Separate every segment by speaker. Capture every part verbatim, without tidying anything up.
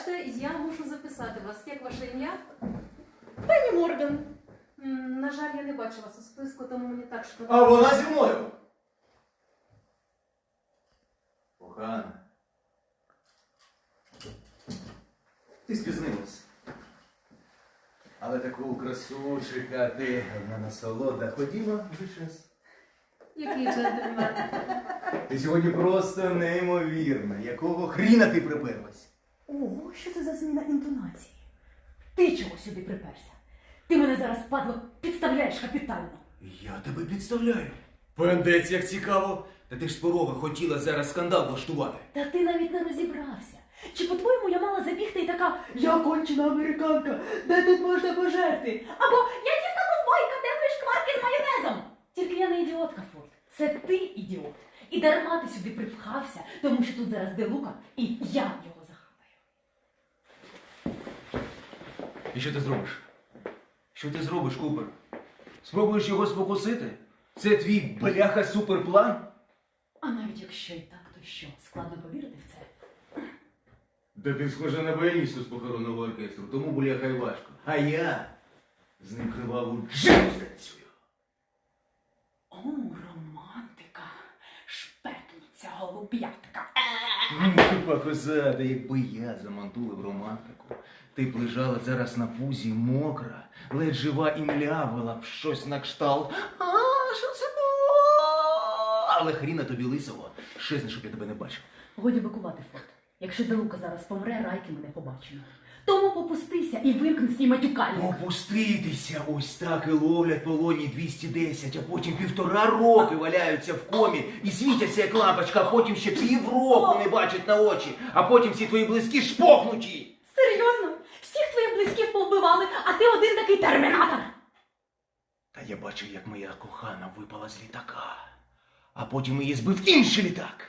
Speaker 1: Пробачте, я мушу записати вас. Як ваше ім'я?
Speaker 2: Пані Морган.
Speaker 1: М, На жаль, я не бачу вас у списку, тому мені так шкода.
Speaker 3: А вона зі мною. Кохана. Ти спізнилась. Але таку красу чекати одна насолода. Ходімо вже час.
Speaker 1: Який джентльмен.
Speaker 3: Ти сьогодні просто неймовірна. Якого хріна ти приперлась?
Speaker 2: Ого, що це за зміна інтонації? Ти чого сюди приперся? Ти мене зараз, падло, підставляєш капітально.
Speaker 3: Я тебе підставляю. Пендець, як цікаво. Та ти ж з порога хотіла зараз скандал влаштувати.
Speaker 2: Та ти навіть не розібрався. Чи, по-твоєму, я мала забігти і така «Я кончена американка, де тут можна пожерти?» Або «Я дійсно ковбойка, де мої шкварки з майонезом?» Тільки я не ідіотка, Форд. Це ти ідіот. І дарма ти сюди припхався, тому що тут зараз де Лука, і я його захапаю.
Speaker 3: І що ти зробиш? Що ти зробиш, Купер? Спробуєш його спокусити? Це твій бляха суперплан?
Speaker 2: А навіть якщо і так, то що? Складно повірити в це?
Speaker 3: Та ти схожа на баяністу з похоронного оркестру, тому бляха й важко. А я з ним криваву джину станцюю.
Speaker 2: О, романтика, шпетниця, голуб'ятка.
Speaker 3: Ну, тупа коза, та якби я замантулив романтику. Ти б лежала зараз на пузі мокра, ледь жива і млявила б щось на кшталт. А, що це було? Але хріна тобі лисого, щезне, щоб я тебе не бачив.
Speaker 2: Годі бикувати, Форд. Якщо Делука зараз помре, райки ми не побачимо. Тому попустися і вимкни свій матюкальник.
Speaker 3: Опуститися, ось так і ловлять полоні двісті десять, а потім півтора роки валяються в комі і світяться як лампочка, а потім ще півроку не бачать на очі, а потім всі твої близькі шпохнуті.
Speaker 2: Серйозно? Всіх твоїх близьких повбивали, а ти один такий термінатор.
Speaker 3: Та я бачив, як моя кохана випала з літака, а потім її збив інший літак.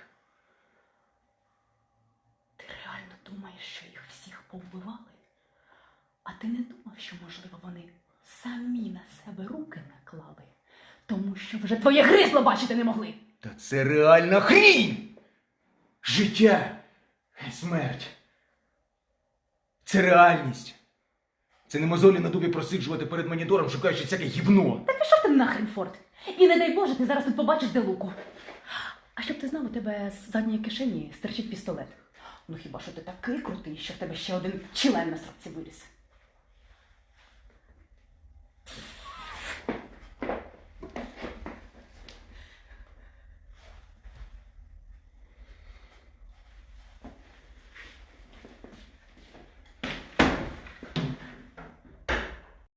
Speaker 2: Ти реально думаєш, що їх всіх повбивали? А ти не думав, що, можливо, вони самі на себе руки наклали? Тому що вже твоє гризло бачити не могли.
Speaker 3: Та це реальна хрінь! Життя і смерть. Це реальність. Це не мозолі на дубі просиджувати перед монітором, шукаючи всяке гівно.
Speaker 2: Та пішов ти нахрен, Форд. І не дай Боже, ти зараз тут побачиш Делуку. А щоб ти знав, у тебе з задньої кишені стирчить пістолет. Ну хіба що ти такий крутий, що в тебе ще один член на сраці виріс.